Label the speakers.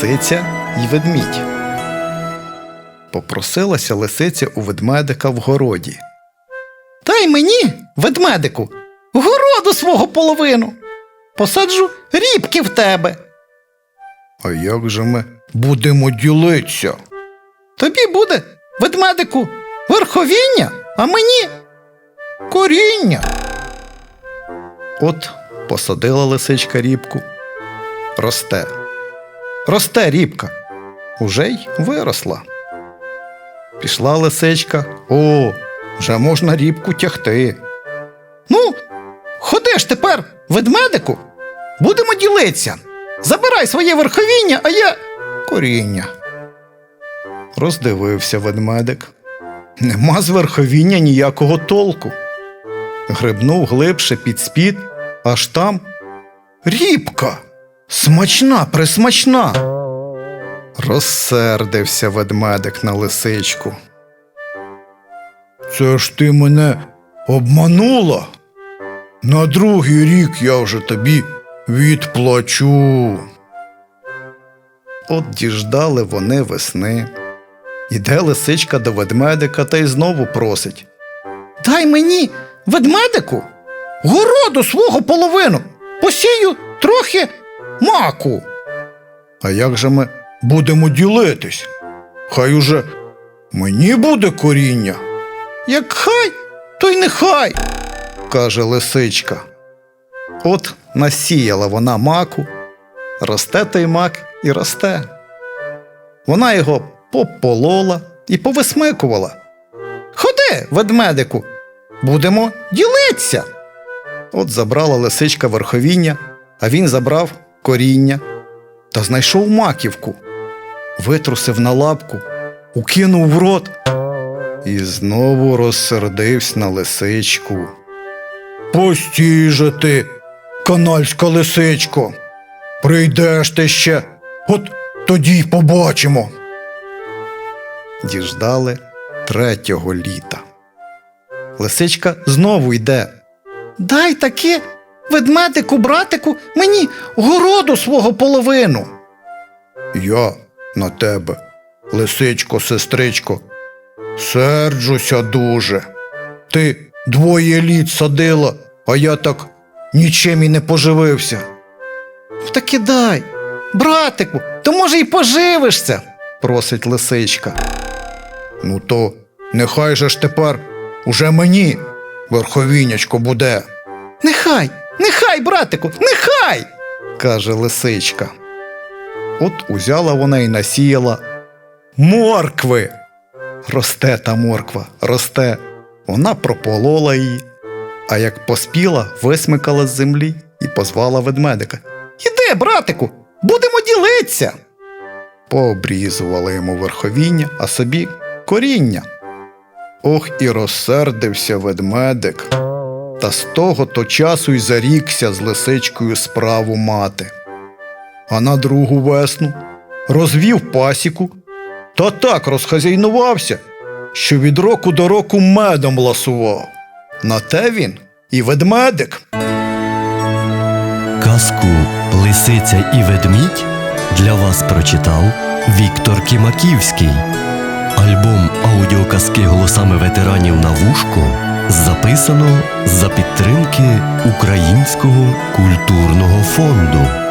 Speaker 1: Лисиця й ведмідь. Попросилася лисиця у ведмедика в городі. «Дай мені, ведмедику, городу свого половину. Посаджу рібки в тебе». «А як же ми будемо ділитися?» «Тобі буде, ведмедику, верховіння, а мені коріння». От посадила лисичка рібку. Росте. Росте рібка. Уже й виросла. Пішла лисичка. О, вже можна рібку тягти. «Ну, ходи ж тепер, ведмедику, будемо ділитися. Забирай своє верховіння, а я коріння». Роздивився ведмедик. Нема з верховіння ніякого толку. Грибнув глибше під спід, аж там рібка. Смачна, присмачна. Розсердився ведмедик на лисичку. «Це ж ти мене обманула? На другий рік я вже тобі відплачу». От діждали вони весни. Іде лисичка до ведмедика та й знову просить. «Дай мені, ведмедику, городу свого половину, посію трохи маку». «А як же ми будемо ділитись? Хай уже мені буде коріння». «Як хай, то й нехай», – каже лисичка. От насіяла вона маку, росте той мак і росте. Вона його пополола і повисмикувала. «Ходи, ведмедику, будемо ділитися». От забрала лисичка верховіння, а він забрав коріння та знайшов маківку, витрусив на лапку, укинув в рот і знову розсердився на лисичку. «Постій же ти, канальська лисичко, прийдеш ти ще, от тоді й побачимо». Діждали 3-го літа. Лисичка знову йде. «Дай таки, ведмедику, братику, мені городу свого половину». «Я на тебе, лисичко, сестричко, серджуся дуже. Ти 2 літ садила, а я так нічим і не поживився». «Таки дай, братику, то може й поживишся», – просить лисичка. «Ну то нехай же ж тепер уже мені верховіннячко буде». «Нехай, нехай, братику, нехай!» – каже лисичка. От узяла вона і насіяла моркви. Росте та морква, росте. Вона прополола її, а як поспіла, висмикала з землі і позвала ведмедика. «Іди, братику, будемо ділитися». Пообрізувала йому верховіння, а собі коріння. Ох, і розсердився ведмедик. Та з того-то часу й зарікся з лисичкою справу мати. А на другу весну розвів пасіку та так розхазяйнувався, що від року до року медом ласував. На те він і ведмедик.
Speaker 2: Казку «Лисиця і ведмідь» для вас прочитав Віктор Кімаківський. Альбом аудіоказки голосами ветеранів на вушко записано за підтримки Українського культурного фонду.